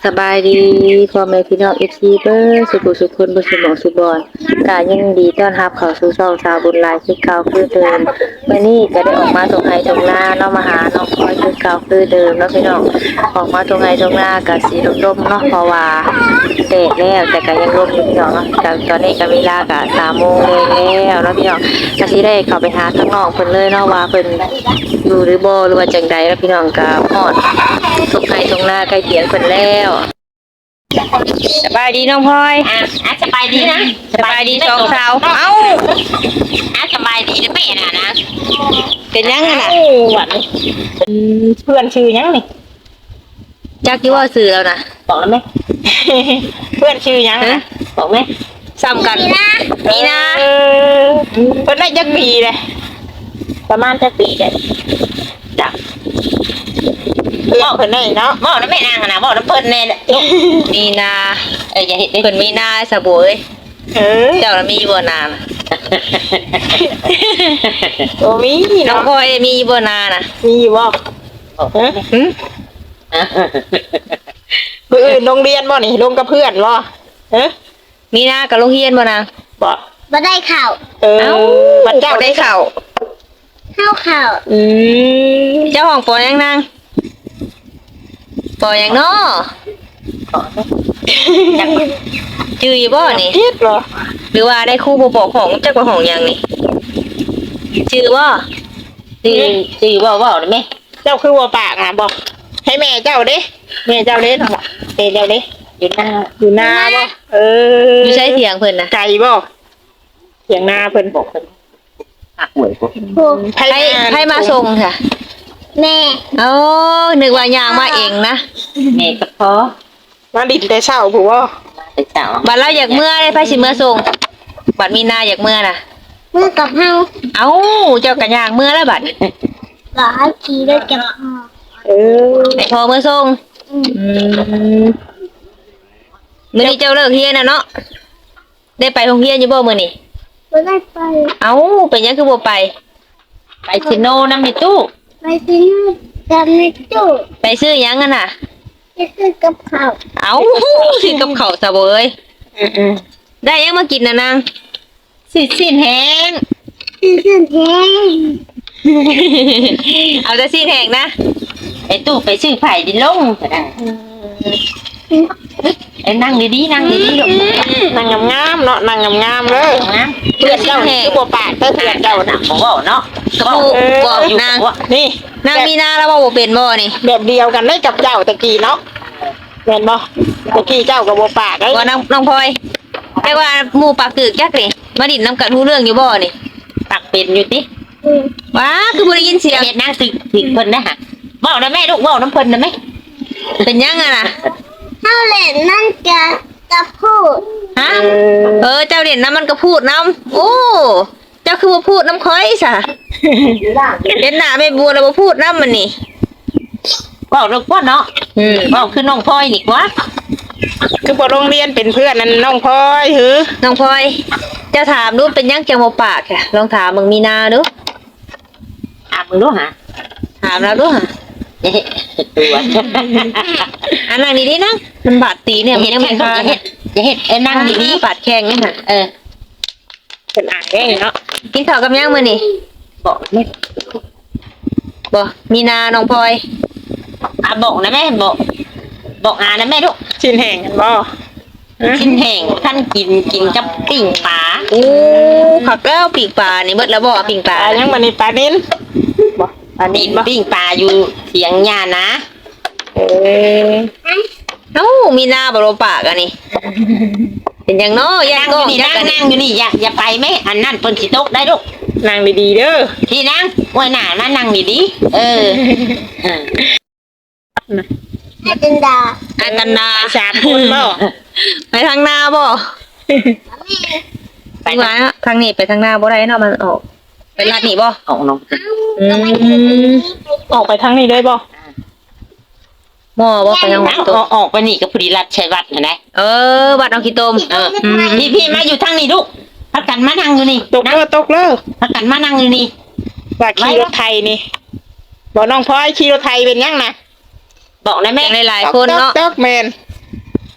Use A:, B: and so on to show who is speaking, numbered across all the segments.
A: สบายดีพ่อแม่พี่น้อง FC เบิ้งสุขสุขคนบ่สมองสุบอนก็ยินดีต้อนรับเข้าสู่ช่องสาวบุญหลายคือเก่าคือเดิมมื้อนี้ก็ได้ออกมาตรงไห้ตรงหน้าเนาะมาหาน้องพลอยคือเก่าคือเดิมเนาะพี่น้องออกมาตรงไห้ตรงหน้าก็สิร่มๆเนาะเพราะว่าแดดแล้วแต่ก็ยังร่มอยู่พี่น้องเนาะก็ตอนนี้ก็เวลาก็3 โมงแล้วเนาะพี่น้องก็สิได้เข้าไปหาข้างนอกเพิ่นเลยเนาะว่าเพิ่นอยู่หรือบ่หรือว่าจังใดแล้วพี่น้องก็ฮอดตรงไห้ตรงหน้าใกล้เคียงเพิ่นแล้วสบายดีน้องพลอย
B: สบายดีนะ
A: สบายดีสองสาวเอ้า
B: สบายดีนะแม่น่ะนะ
A: เป็นยังไงน่ะ
B: หวานเพื่อนชื่อยังนี่
A: จักที่ว่าซื้อแล้วนะ
B: บอกแล้วไหมเพื่อนชื่อยังนะบอกไหม
A: ซ้ำกันมีนะ
B: เพิ่นได้จักปีเลยประมาณจักปีเลยจักบอกเพิ่นได้เนาะบอกแล้วแม่นางนะบอกแล้วเพิ่นแน่
A: มีนา
B: อย่าเห็น
A: เพิ่นมีนาสะบวยเจ้าละมีบ่นาน
B: โอ้มี
A: น้องพลอยมีบ่นาน่ะ
B: มีบ่เพื่อนโรงเรียนบ่นี่ลงกับเพื่อนบ่
A: มีนากับโรงเรียนบ่นาง
C: บ่ได้ข่าว
A: เอ้าบัดเจ้าได้ข่าว
C: ข่าว
A: เจ้าห้องปอยังนางปอยังน้อจืออยู่บ่นี่
B: คิดเหรอ
A: หรือว่าได้ครูบ่บอกของจักว่าของยังนี่จือบ่
B: จือบ่ได้แม่เจ้าคือว่าปากน่ะบอกให้แม่เจ้าเด้แม่เจ้าเด้เนาะเจ้าเด้อยู่นาบ่
A: อยู่ใช้เถียงเพิ่นน่ะ
B: ไก่บ่เถียงนาเพิ่นบอกเพิ่นหวยบ่
A: ให้มาส่งค่ะ
C: แม่
A: นึกว่ายางมาเองนะ
B: แม่ก็พอมาดินแต่เช้าผู้ว่าแต่เช้า
A: บัดเราอยากเมื่อได้ไผสิเมื่อส่งบัดมีนาอยากเมื่อน่ะ
C: เมื่อกับเฮา
A: เจ้าก็ย่างเมื่อแล้วบัด
C: หลายทีได้กับพ่อ
A: ไอ้พอเมื่อส่งมื้อนี้เจ้าเลิกเรียนน่ะเนาะได้ไปโรงเรียนอยู่บ่มื้อนี้
C: บ่ได้ไป
A: เป็นหยังคือบ่ไป
B: ซิโนนำในตู้
C: ไปซื้อกับในตู้
A: ไปซื้อหยังกันน่ะ
C: ไปซื้อกับข้าว
A: ซื้อกับข้าวซะบ่เอ้ยได้ยังมากินน่ะนาง
B: สิ้นแห้ง
C: ซื้อแห้ง
A: เอาแต่สิ้นแห้งนะ
B: ไอ้ตู้ไปซื้อไผ่ดินลงนั่งดีๆนั่งดีๆลูกนั่งงามๆเนาะนั่งงามๆเลยเพื่อนเจ้าคือบ่ปากเพื่อนเจ้าน่ะบ่เว้าเนาะ
A: ก็บอกนาง
B: นี่
A: นางมีนาแล้วบ่เป็นบ่นี่
B: แบบเดียวกันได้กับเจ้าตะกี้เนาะแม่นบ่ตะกี้เจ้าก็บ่ปากได้
A: ว่าน้องพลอยแต่ว่าหมู่ปากตึกจักนี่มาดินนำกันรู้เรื่องอยู่บ่นี่
B: ปากเป็นอยู่ติ
A: ว้าคือบ่ได้ยินเสียง
B: เฮ็ดนางตึกเพิ่นนะฮะเว้านะแม่ลูกเว้านำเพิ่นนะแม่
A: เป็นยังอ่ะน่ะ
C: เฮาเล่นนั่นจะพูด
A: ฮะเจ้าเด่นน้ำมันก็พูดน้ำเจ้าคือบ่พูดน้ำค่อยซะเห็นหน้าแม่บัวแล้วบ่พูดน้ำมันนี่
B: บอกลูกว่าเนาะบอกคือน้องพลอยนี่วะคือบ่โรงเรียนเป็นเพื่อนนั่นน้องพลอย
A: น้องพลอยเจ้าถามดูเป็นยังจังบ่ปากค่ะลองถามมึงมีนาดู
B: ถามมึงดูหะ
A: ถามแล้วดูหะอันนั่งดีๆนะมันบาดตีเนี่ยมันยังไม่ขาด
B: อย่าเห็ดนั่งดี
A: ๆบาดแข้งนี่ค่ะ
B: เป็นอ่างได้เนาะ
A: กินข้าวกับยังมื้อนี่
B: บอกแม่
A: บ่มีนาน้องพลอย
B: บอกนะแม่บอกนะแม่ลูกชิ้นแห้งกันบ่ชิ้นแห้งท่านกินกับปิ่งปลา
A: ผักแล้วปิ่งปลานี่เบิดแล้วบ่ปิ่งปลา
B: ยังมื้อนี้ปลานิ้นบ่ปลานิ้นปิ่งปลาอยู่เถียงหญ้านะ
A: มีนาบ่รู้ปากอันนี้เป็นยังน้อย
B: นั่งอยู่นี่นั่งอยู่นี่อย่าไปแม่อันนั้นเพิ่นสิตกได้ลูกนั่งดีๆเด้อที่นั่งไว้หน้ามานั่งดีๆ
C: อาจารย์ดา
B: 3 คนบ่
A: ไปทางหน้าบ่ไปมาทางนี้ไปทางหน้าบ่ได้เนาะมันออกไปลัดนี่บ่
B: ออกน้อง
A: ออกไปทางนี้ได้บ่บ่ไปทาง
B: ออกไปนี่ก็พอดีรัดชัยวัฒน์นะ
A: วัดน้องขี้ต้ม
B: พี่มาอยู่ทางนี้ลูกพักกันมานั่งอยู่นี่ตกเลยพักกันมานั่งอยู่นี่ว่าขี่รถไทยนี่บอกน้องพลอยขี่รถไทยเป็นยังนะบอกนะแม่
A: หลายๆคนเนาะ
B: แมน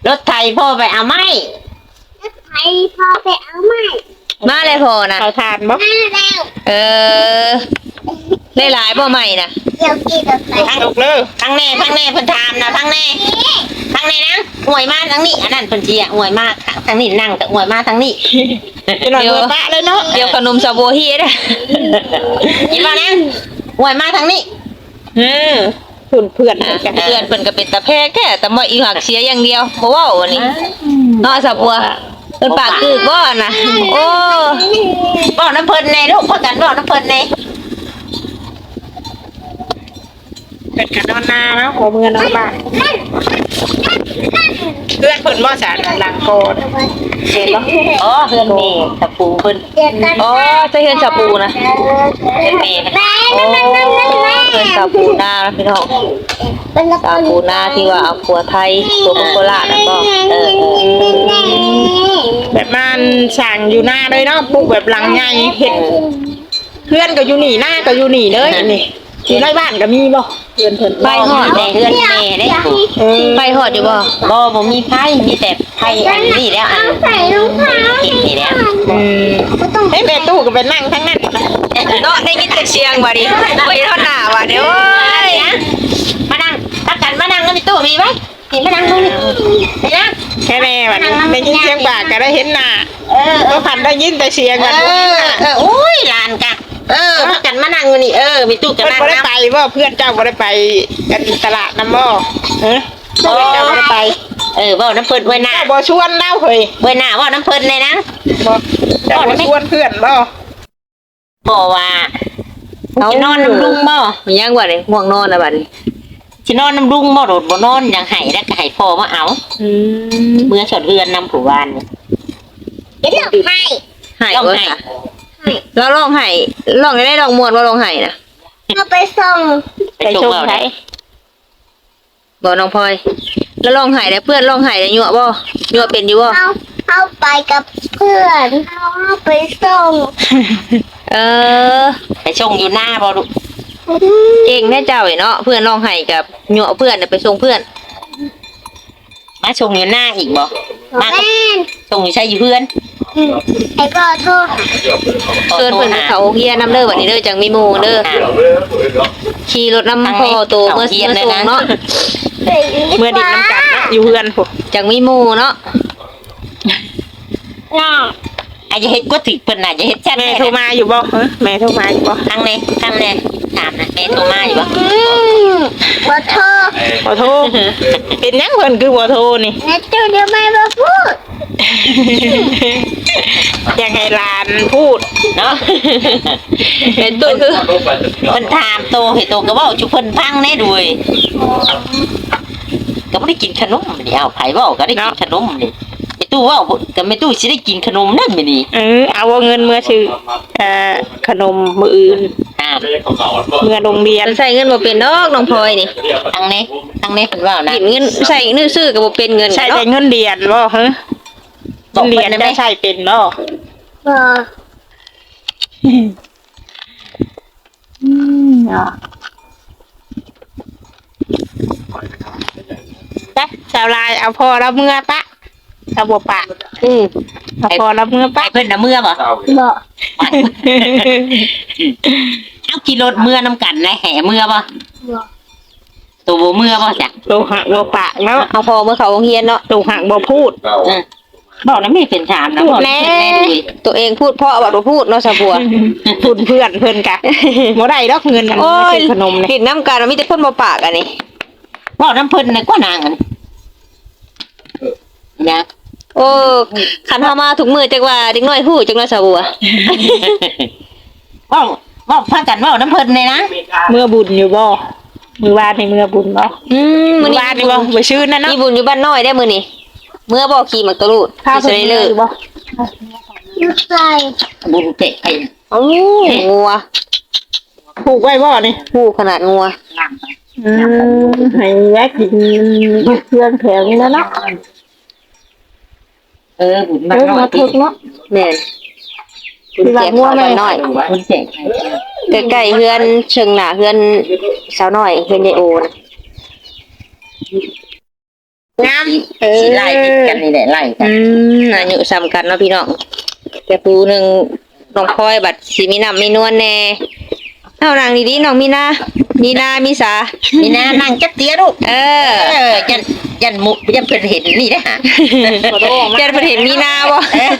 B: รถไถพ่อไปเอาไม้
C: ไปพอไปเอาใหม่
A: มาเลยพอนะ
B: เขาทานบ่
C: มาแล้ว
A: เออได้หลายบ่ใหม่นะ
C: เดี๋ยวกินกับไป
B: ทั้งลูกเลยทั้งแน่เพิ่นถามนะทั้งแน่นะอวยมาทั้งนี้อันนั้นเพิ่นสิอวยมากทั้งนี้นั่งแต่อวยมาทั้งนี้เดี๋ยวปะเลยเนาะ
A: เดี๋ยวขนมซาโบฮีเด้อ
B: กินมานะอวยมาทั้งนี้เพื่อน
A: เพื่อนเพิ่นก็เป็นตาแพ้แค่แต่บ่อีหักเสียอย่างเดียวบ่เว้าอันนี้เนาะซาบัวเพิ่นปากกึกบ่น่ะโอ้
B: บอกน้ำเพิ่นในลูกพ่อกันบอกน้ำเพิ่นในเป็นกันนอนนานะหัวเมือนอนบ้านเพื่อนเพิ่นบ่สารหลังโกดเห็นบ่อ๋อเพื่อนเมย์ตะปูเพิ่น
C: เดี๋ยวกัน
A: อ๋อจะเฮือนซาปูนะ
B: เพื่อนเมย์
C: แม่
A: โอ้เฮือนซาปูนานะพี่น้อง
C: เป็นละค
A: ซาร ปูนาที่ว่าเอาผัวไทยตัวโคราชแล้วก็
B: แบบมันสั่งอยู่หน้าเลยเนาะปลูกแบบหลังใหญ่เห็ดเพื่อนก็อยู่นี่หน้าก็อยู่นี่เลยนี่อยู่ในบ้านก็มีบ่เพื่อนเพิ่น
A: ไปฮอด
B: เพื่อนเมย์ได้
A: ไปฮอดอยู่บ่
B: บ่มีไพ่มีแต่ไพ่อันนี้แล้วอัน
C: ใส่รองเท้า
B: กินนี่แล้วเฮ้ยแม่ตู้ก็ไปนั่งทั้งนั้น
A: เนาะได้ยินแต่เสียงว่าดิไปเท่าหน้าว่าเด้อโอ้ย
B: มานั่งตักกันมานั่งแล้วมีตู้มีไหมมีมานั่งตรงนี้เห็นนะแค่แม่วันนี้ได้ยินเสียงปากก็ได้เห็นหน้าก็พันได้ยินแต่เสียงกันโอ้ยลานกันพักกันมานั่งนี่มีตู้กันนั่งบ่ได้ไปบ่เพื่อนเจ้าบ่ได้ไปกันตลาดน้ำบ่เพื่อนเจ้าบ่ได้ไปบ่น้ำเพิ่นไว้หน้าบ่ชวนเล่าเฮ้ยไว้หน้าบ่น้ำเพิ่นเลยนะบ่เจ้าบ่ชวนเพื่อนบ่บ่ว่าจะนอนน้ำลุงบ่
A: มียังว่าดิง่วงนอนแล้วบัดนี้
B: สินอนน้ำลุงบ่โดดบ่นอนยังไห้แล้วก็ให้พ่อมาเอาเมื่อสดเรือนนำผู้วานนี่
C: เดี๋ยวให้
A: ให้
B: ต้อง
A: บ่
B: ให้
A: ค่ะแล้วร้องไห้ร้องได้ร้องม่วนบ่ร้องไห้นะ
C: เอาไปส่ง
B: ไปชมได้
A: บ่น้องพลอยแล้วร้องไห้ได้เพื่อนร้องไห้ได้ยั่วบ่ยั่วเป็นอยู่บ่
C: เอาไปกับเพื่อนเอาไปส่ง
A: เออ
B: ไปชงอยู่หน้าบ่ลูก
A: เก่งแน่เจ้าเนาะเพื่อนร้องไห้กับยั่วเพื่อนน่ะไปส่งเพื่อน
B: มาชงอยู่หน้าอีกบ่มา
C: แม่
B: ชงอยู่ใช่อยู่เพื่อน
C: ไอ้ก็โทษ
A: เชิญเพิ่นเขาเฮียนำเด้อบัดนี้เด้อจังมีหมู่เด้อขี่รถนำพ่อโตเมื่อส่งเนาะ
B: เมื่อดินน้ำกันเนาะอยู่เพื่อนพวก
A: จังมีหมู่เนาะ
C: น่า
B: อาจจะเฮ็ดก็ติเพิ่นน่ะจะเฮ็ดแซ่บแม่โทรมาอยู่บ่แม่โทรมาอยู่บ่ทางไหนถามนะแม่โทรมาอยู่บ่
C: ขอโทษ
B: ขอโทษเป็นหยังเพิ่นคือบ่โทรนี่
C: แม่เจ้าเดี๋ยวไม่มาพูด
B: อยากให้หลานพูดเนาะ
A: เป็นตู้คือ
B: เพิ่นถามโตให้โตก็เว้าจุเพิ่นฟังแน่ด้วยก็บ่ได้กินขนมนี่เอาไผเว้าก็ได้กินขนมนี่ไอ้ตู้เว้าก็ไม่ตู้สิได้กินขนมนั่นมื้อนี้เอาเงินเมื่อซื้อขนมมื้ออื่นเมื่อโรงเรียน
A: ใส่เงินบ่เป็นดอกน้องพลอยนี่
B: ทางนี้เพิ่นเว้านะ
A: กินเงินใส่เงินซื้อก็บ่เป็นเงิน
B: ใช่
A: เนาะ
B: แต่เงินเดือนบ่ฮะเดือนได้ใช่เป็นบ่
C: บ่
B: ปะชาวลายเอาพอแล้วเมื่อปะเอาบ่ปะเอาพอแล้วเมื่อปะเพิ่นน่ะเมื่อบ่
C: บ่
B: เอากี่รถเมื่อน้ำกันนะแห่เมื่อบ่
C: บ่
B: ตัวบ่เมื่อบ่จ้ะตัวหักบ่ปากแล้ว
A: เอาพอเมื่อเขาโรงเรียนเนาะ
B: ตัวหักบ่พูดบอกนะไม่เป็นถามนะบอกแน่
A: ตัวเองพูดเพราะว่าบ่พูดเนาะสะบัว
B: พูดเพื่อนกะบ่ได้ดอกเงิน
A: โอ้ย
B: ขนมเนี่ย
A: ผิดน้ำกันมีแต่คนบ่ปากอันนี้
B: บอกน้ำเพิ่นน่ะก็นางอันนะ
A: โอ้คันเฮามาถุงมือจักว่าเด็กน้อยฮู้จักว่าสะบัว
B: บอกพากันบอกน้ำเพิ่นเลยนะเมื่อบุญอยู่บ่มือวานในเมื่อบุญบ่
A: มื้อ
B: วานนี่บ่ไปชื่อนั่นเนาะ
A: มีบุญอยู่บ้านน้อยได้มื้อนี้เมื่อบ่ขี่มักตะลูด
B: พา
A: สิ
B: เพิ่น
A: ได้
B: เล
A: เลิ
B: ย
A: ก
B: บ่
C: ลูกไก่
B: บุญเตะไป
A: โอ้งัว
B: ผูกไว้บ่นี่
A: ฮู้ขนาดงัว
B: ให้แวะกินเครื่องแข็งแล้วเนาะบุญมาถึกเนาะ
A: แม่นบุญแจกข้าวบ้านน้อย
B: บุญเตะ
A: ใกล้ๆเฮือนเชิงหน้าเฮือนสาวน้อยเฮือนยายโอนะ
B: งามสิไล่ติดกันนี่แหละไล่กัน
A: อายุซ้ำกันเนาะพี่น้องแต่ผู้หนึงน้องพลอยบัดสิมีน้ำมีนวลแน่เอานางดีๆน้องมีนามีสา
B: นี่นะนั่งจักเตี้ยลูก ยันมุกยันเพิ่นเห็นนี่นะ
A: แกเห็นมีนาบ่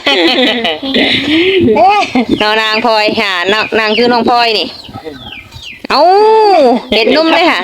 A: น้องนางพลอยหานางคือน้องพลอยนี่เอ้าเห็นนุ่มเลยค่ะ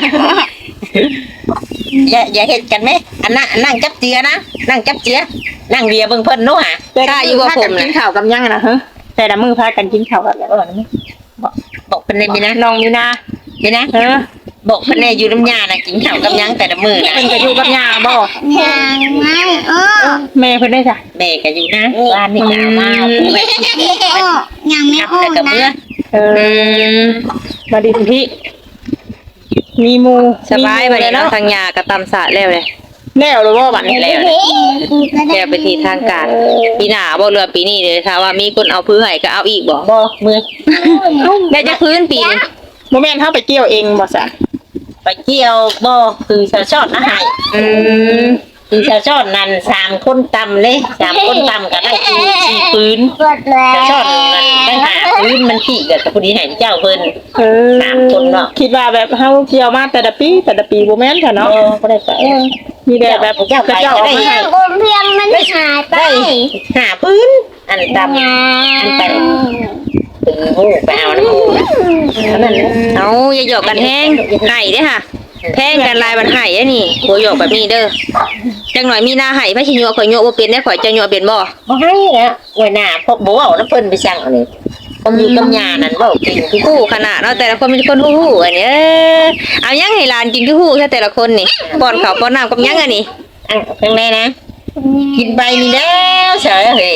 B: อย่าเห็นกันไหมอันนั้นนั่งจับเจียนะนั่งจับเจียนั่งเรียเบิ่งเพิ่นนู้หะ
A: กล้าอยู่ว่าผม
B: กิ
A: นะ
B: นข้าวกับยังนะฮะแต่ละมือพากันกินข้าวกับแล้วบอกเพิ่นเลยมีนะน้องมีนะมีนะบอกเพิ่นเลยอยู่น้ำยานะกินข้าวกับยังแต่ละมือนะเพิ่นก็อยู่กับยาบ่
C: ยังไม่
B: แม่เพิ่นได้จ้ะแม่ก็อยู่นะบ้านนี่ก็เอามาแบบ
C: ยังไม่ออก
B: กับเมื่อ
C: นะ
B: มาดิพี่มีมู
A: สบายบัดนี้เนาะทางยากับตำสะแล้วเลย
B: แล้วหรือว่าบัดนี้แล้ว
A: แล้วไปที่ทางการปีหน้าบ่เรือปีนี้เลยถ้าว่ามีคนเอาพื้นให้ก็เอาอีกบ่
B: บ่มือ
A: ได้จะพื้นปีนึง
B: โมเมนต์เฮาไปเกี่ยวเองบ่ซะไปเกี่ยวบ่คือชาวชอดนะให้คือชาวชอดนั่น3คนตำเลย3คนตำก็ได้4ปืน
C: กดแล้ว
B: ชาวชอดนั่นได้5ปืนมันขี้กับผู้นี้ให้เจ้าเพิ่น3คนเนาะคิดว่าแบบเฮาเกี่ยวมาแต่ละปีบ่แม่นค่ะเนาะบ่ได้ไปมีแต่แบบเจ้าเอามาให้
C: บนเพียงมันหายไป
B: ได้5ปืนอันตำอันไปหูไปเอาน้ำมูนั่น
A: เอาอย่าหยอกกันแห้งให้เด้อค่ะแพงกันลายมันให้อันนี้บ่หยอกแบบนี้เด้อจังหน่อยมีหน้าให้พระชิโยข่อยโยบ่เป็นได้ข่อยจะโยเป็นบ่
B: บ่ให้นะไว้หน้าพวกบ่เอาน้ำเพิ่นไปสั่งอันนี้ผมอยู่กับยานั่นเว้ากินคือ
A: ฮู้ขนาดเนาะแต่ละคนเป็นคนฮู้อันนี้เอายังให้หลานกินคือฮู้แค่แต่ละคนนี่ป้อนข้าวป้อนน้ำกับยังอันนี้
B: ข้างในนะกินไปนี่แล้วเฉยเฮ้ย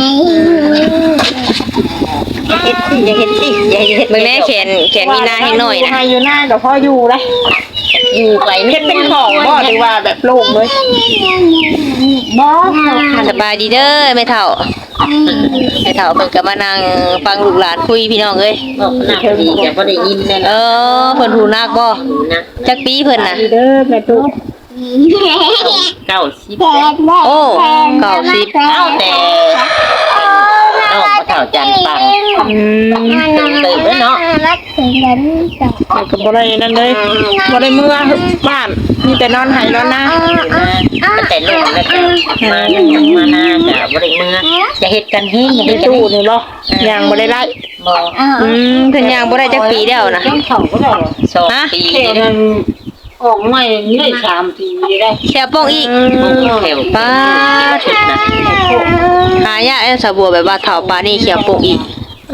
B: อย่าเฮ็ดสิอย่าเฮ็ด
A: มึงแน่แขนมีหน้าให้หน่อยนะ
B: อยู่หน้ากับพ่ออยู่เลยอยู่ไปเฮ็ดเป็นของบ่หรือว่าแบบโล่งเลยบ่
A: สบายดีเด้อแม่เฒ่าเพิ่นก็มานั่งฟังลูกหลานคุยพี่น้องเอ้ย
B: หนักดีก็บ่ได้ยินแน่
A: เพิ่นหูนักบ่
B: นะ
A: จักปีเพิ่นน่ะ
B: เด้อแม่ตุ๊ก90
A: โอ้90
B: เอาแต่น้องบ่เฒ่าจันปังตื่นแล้วเนาะ
C: รักถึงนั้นจ้ะ
B: ก็บ่ได้นั่นเลยบ่ได้เมื่อบ้านมีแต่นอนหายนอนนาแต่ลูกแล้วก็มาหน้าก็บ่ได้เมื่อจะเฮ็ดกันเฮ็ดอย่าเฮ็ดตู้นี่บ่ยังบ่ได้ไล่บ่
A: เพิ่นย่างบ่ได้จักปีแล้วนะ
B: 2 ปีนึงออกใหม่ได้3 ปีได้
A: แค่โป้งอีก
B: แถว
A: ป้าดหายากสะบัวแบบว่าเฒ่าปานนี้เขียวโป้งอีก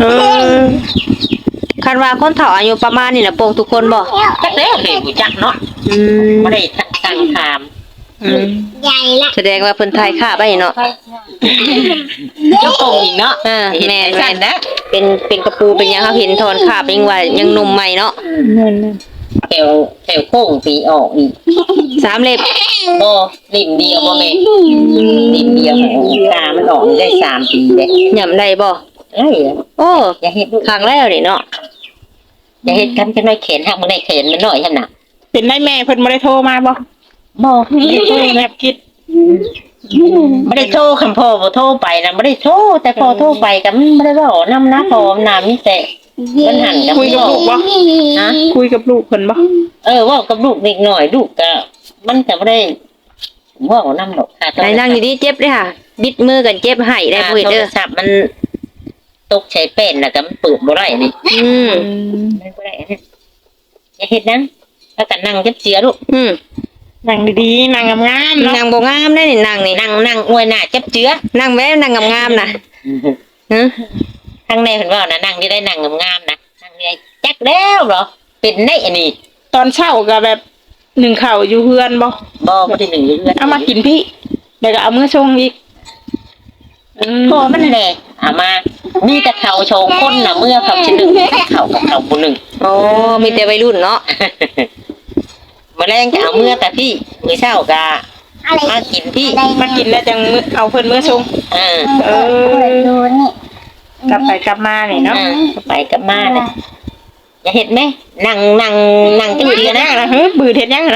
A: คันว่าคนเฒ่าอายุประมาณนี้น่ะโป้งทุกคนบ่
B: จักแล้วเฮ็ดบ่จักเนาะบ่ได้ตั้งถาม
C: ใหญ่ละ
A: แสดงว่าเพิ่นทายค่าไปเนาะ
B: เจ้าโป่งอีกเนาะ
A: แม่
B: สั่นนะ
A: เป็นกระปูเป็นหยังเขาเห็นถอนคาบยังว่ายังหนุ่มใหม่เนาะ
B: แถวโป่งปีออกอีก
A: 3 เล็บ
B: บ่ลิ่มเดียวบ่แม่ลิ่มเดียวตามันออกได้3 ปีเด้
A: หย่ำได้บ่
B: เอ้ย
A: โอ้
B: อย่าเฮ็ดลูก
A: ครั้งแล้วนี่เนาะ
B: อย่าเฮ็ดกันจังได๋เข็นหักบ่ได้เข็นมันน้อยหั่นน่ะ
D: เป็นได้แม่เพิ่นบ่ได้โทรมาบ่
B: บ่
D: แม่คิด
B: บ่ได้โทรคันพ่อบ่โทรไปน่ะบ่ได้โทรแต่พ่อโทรไปก็มันบ่ได้เว้านำนะพ่อน่ะมีแต่มันหันกับ
D: คุยกับลูกบ่
B: ฮะ
D: คุยกับลูกเพิ่นบ่
B: เว้ากับลูกนิดหน่อยลูกก็มันก็บ่ได้เว้านำดอกค่ะ
A: ไหนนั่งดีๆเจ็บเด้อค่ะ บิดมือกันเจ็บให้ได้บ่เฮ็ด
B: โท
A: เด้
B: ร
A: อ
B: ศัพท์มันตกใช้เป็นแล้วก็มันเปิดบ่ได้นี่ มันบ่ได้นะอย่าเฮ็ดนะแล้วก็นั่งเสียลูก
D: นั่งดีๆนั่งงามๆเนาะ
A: นั่งบ่งามได้นี่นั่งนี่
B: นั่งอวยหน้าเจือ
A: นั่งแว้นั่งงามๆน่ะฮะ
B: ทางในเพิ่นว่านะนั่งได้นั่งงามๆนะนั่งได้จักแล้วเหรอเป็นได้อันนี้
D: ตอนเช้าก็แบบหนึ่งข้าวอยู่เฮือนบ่
B: บ่ได้หนึ่งเดือน
D: เอามากินพี่แล้วก็เอามื้อชงอีก
B: พอมันแหละเอามามีแต่เขาโชว์คนน่ะเมื่อเขาสิหนึ่งเขากับเขาบ่หนึ่ง
A: โอ้มีแต่วัยรุ่นเนาะ
B: มื้อแรงก็เอาเมื่อแต่พี่มื้อเช้าก็มากินพี่
D: มากินแล้วจังมื้อเอาเพิ่นมื้อชง
B: เออ
C: ดูนี่
D: กลับไปกลับมานี่เนาะ
B: ไปกับมาน่ะอย่าเฮ็ดแม่นั่งจัง
D: บื
B: ซี่
D: ด
B: นะ
D: นะเฮ้ยบืดเฮ็ดยังนะ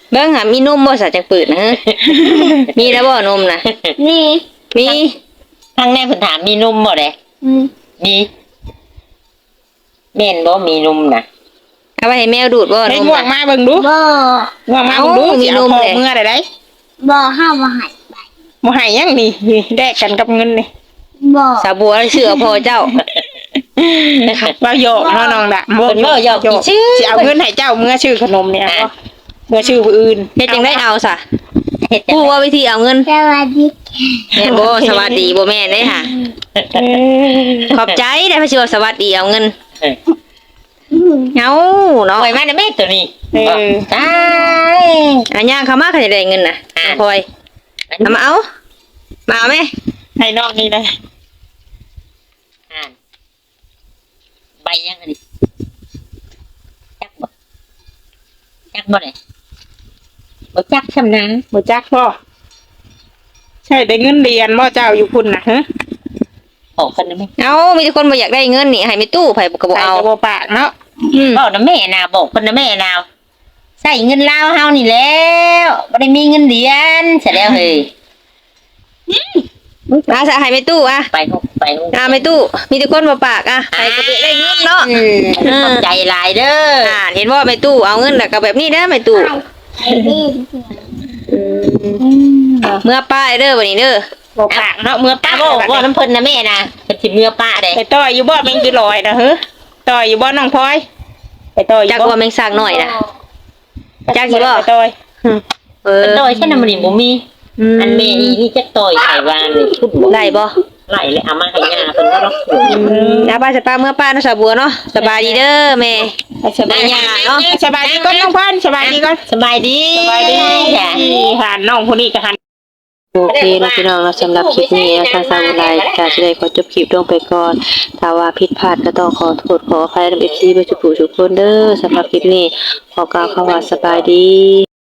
A: เบิ่งหามีนมบ่ซะจังปืดนะฮะ มีแล้วบ่นมน่ะ
C: นี่
A: มี
B: ทางแม่เพิ่นถามมีนมบ่เด้ มีแม่นบ่มีนมน่ะ
A: เอาไปให้แมวดูดบ่น
B: ให้
A: ม
B: ง่วง
A: น่ะ
B: มาเบิ่งดู
C: บ่
B: ง่วงมาเบิ่งดู
A: เอ้ามี
B: สิเอา
A: นม
B: พอ
A: เลย
B: เมื่อได้
C: บ่ห้ามบ่ให้
B: บ่ให้ยังนี่แลกกันกับเงินนี่
C: บ่
A: สาบัวเชื่อพ่อเจ้า
B: ว่าโยกเนาะน้องดะ
A: เพิ่นเว้าหยอกกี่ชื่อ
B: สิเอาเงินให้เจ้าเมื่อชื่อขนมเนี่ยบ่เมื่อชื่อผู้อื่น
A: เฮ็ดจังได้เอาซะ
B: เฮ็ดจัง
A: ผู้
B: ได๋
A: ว่าวิธีเอาเงิน
C: สวัสดี
A: แม่นบ่สวัสดีบ่แม่นเด้ค่ะ ขอบใจได้พระชิวาสวัสดีเอาเงินเอาเนาะ
B: ปล่อยมาได้แม่ตัวนี้ตาย
A: อันย่างเขามาเขาจะได้เงินน่ะคอยเอามาเอามาเอาไหม
B: ให้น้องนี่เลยอ่านใบยังอันนี้จักบ่ได้บ่จักชำนาญ
D: บ่จักพ่อใช่ได้เงินเรียนบ่เจ้าอยู่พุ่นน่ะฮะ
B: ออกกันได้ไหม
A: เอามีแต่คนบ่อยากได้เงินนี่ให้ไม่ตู้ไผก็บ่
D: ใส่
A: เอา
D: กระบ่ปากเนาะ
B: บอกนะแม่นาบอกคนนะแม่นาวใส่เงินลาวเฮานี่แล้วบ่ได้มีเงินเหรียญเสร็จแล้วเฮ้ย
A: อาสะให้ไม่ตู้อ่ะ
B: ไปหุบ
A: ไม่ตู้มีแต่คนบ่ปากอ่ะให้ก็บ่ได้เงินเนาะ
B: ขอบใจหลายเด้อ
A: เห็นว่าไม่ตู้เอาเงินแล้วก็แบบนี้เด้อไม่ตู้
C: ไอ้นี่
A: เมื่อป้าเด้อบัดนี้เด้อ
D: บ่ปากเนาะเมื่อ
B: ป้า
D: ป้า
B: บอกว่าน้ำเพิ่นนะแม่นะเป็นสิเมื่อป้าเด้
D: ไปต่อยอยู่บ่แม่งคือลอยนะฮะต่อยอยู่บ่น้องพลอยไปต่อยอยู่
A: จัก
D: บ่
A: ว่าแมงสร้างหน่อยนะ จักสิบ่
D: ไปต่อย
A: เออ
B: เป็นต่อยใช่น้ำมันนี่บ่มีอันแม่นี่จักต่อยไข่วานนี่ชุดบ่
A: ได้บ่
B: ไหลเลยเอามาให้ย่าเพิ่นก็รับ
A: ป้าจะป้าเมื่อป้าเนาะสาวบัวเนาะสบายดีเด้อแม่
D: สบายดีเนาะสบายดีก่อนน้องพรสบายดีก่อน
B: สบายดี
D: สบายดี
B: จ้ะ
D: หันน้องคนนี้ก็หัน
A: โอเคนะพี่น้องเนาะสำหรับคลิปนี้นะทางสาวไลน์จะได้ขอจบคลิปลงไปก่อนถ้าว่าผิดพลาดก็ต้องขอโทษขออภัยนำ FC ไปทุกผู้ทุกคนเด้อสำหรับคลิปนี้ขอกล่าวคำว่าสบายดี